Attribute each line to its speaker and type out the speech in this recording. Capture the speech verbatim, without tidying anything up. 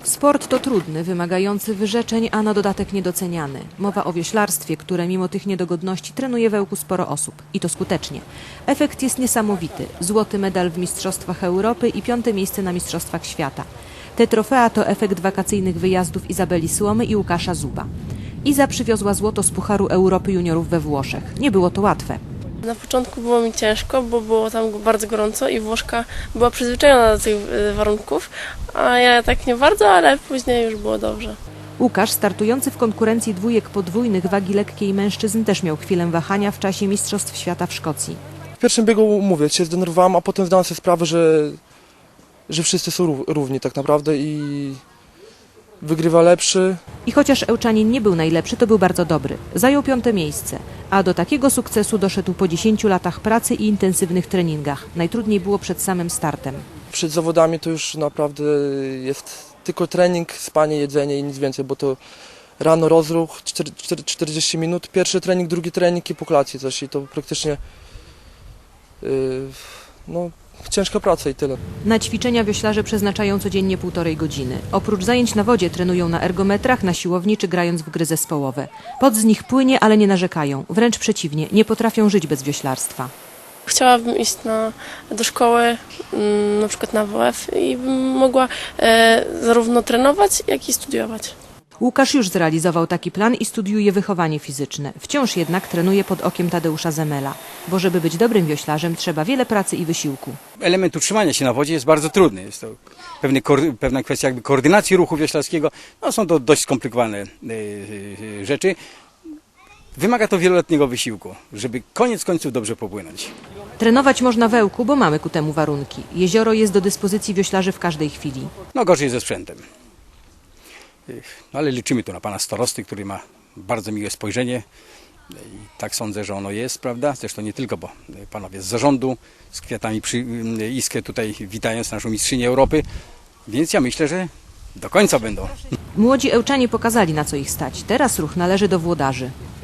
Speaker 1: Sport to trudny, wymagający wyrzeczeń, a na dodatek niedoceniany. Mowa o wioślarstwie, które mimo tych niedogodności trenuje w Ełku sporo osób. I to skutecznie. Efekt jest niesamowity. Złoty medal w Mistrzostwach Europy i piąte miejsce na Mistrzostwach Świata. Te trofea to efekt wakacyjnych wyjazdów Izabeli Słomy i Łukasza Zuba. Iza przywiozła złoto z Pucharu Europy Juniorów we Włoszech. Nie było to łatwe.
Speaker 2: Na początku było mi ciężko, bo było tam bardzo gorąco i Włoszka była przyzwyczajona do tych warunków, a ja tak nie bardzo, ale później już było dobrze.
Speaker 1: Łukasz, startujący w konkurencji dwójek podwójnych wagi lekkiej mężczyzn, też miał chwilę wahania w czasie Mistrzostw Świata w Szkocji.
Speaker 3: W pierwszym biegu, mówię, się zdenerwowałem, a potem zdałem sobie sprawę, że, że wszyscy są równi tak naprawdę i wygrywa lepszy.
Speaker 1: I chociaż Ełczanin nie był najlepszy, to był bardzo dobry. Zajął piąte miejsce, a do takiego sukcesu doszedł po dziesięciu latach pracy i intensywnych treningach. Najtrudniej było przed samym startem.
Speaker 3: Przed zawodami to już naprawdę jest tylko trening, spanie, jedzenie i nic więcej, bo to rano rozruch, czterdzieści minut, pierwszy trening, drugi trening i po kolacji coś i to praktycznie yy, no, ciężka praca i tyle.
Speaker 1: Na ćwiczenia wioślarze przeznaczają codziennie półtorej godziny. Oprócz zajęć na wodzie trenują na ergometrach, na siłowni czy grając w gry zespołowe. Pot z nich płynie, ale nie narzekają. Wręcz przeciwnie, nie potrafią żyć bez wioślarstwa.
Speaker 2: Chciałabym iść na, do szkoły, na przykład na W F i bym mogła e, zarówno trenować, jak i studiować.
Speaker 1: Łukasz już zrealizował taki plan i studiuje wychowanie fizyczne. Wciąż jednak trenuje pod okiem Tadeusza Zemela, bo żeby być dobrym wioślarzem, trzeba wiele pracy i wysiłku.
Speaker 4: Element utrzymania się na wodzie jest bardzo trudny. Jest to pewne, pewna kwestia jakby koordynacji ruchu wioślarskiego. No, są to dość skomplikowane yy, rzeczy. Wymaga to wieloletniego wysiłku, żeby koniec końców dobrze popłynąć.
Speaker 1: Trenować można w Ełku, bo mamy ku temu warunki. Jezioro jest do dyspozycji wioślarzy w każdej chwili.
Speaker 4: No gorzej ze sprzętem. No, ale liczymy tu na pana starosty, który ma bardzo miłe spojrzenie i tak sądzę, że ono jest, prawda? Zresztą nie tylko, bo panowie z zarządu z kwiatami przy iskę tutaj witając naszą mistrzynię Europy, więc ja myślę, że do końca będą.
Speaker 1: Młodzi Ełczanie pokazali, na co ich stać. Teraz ruch należy do włodarzy.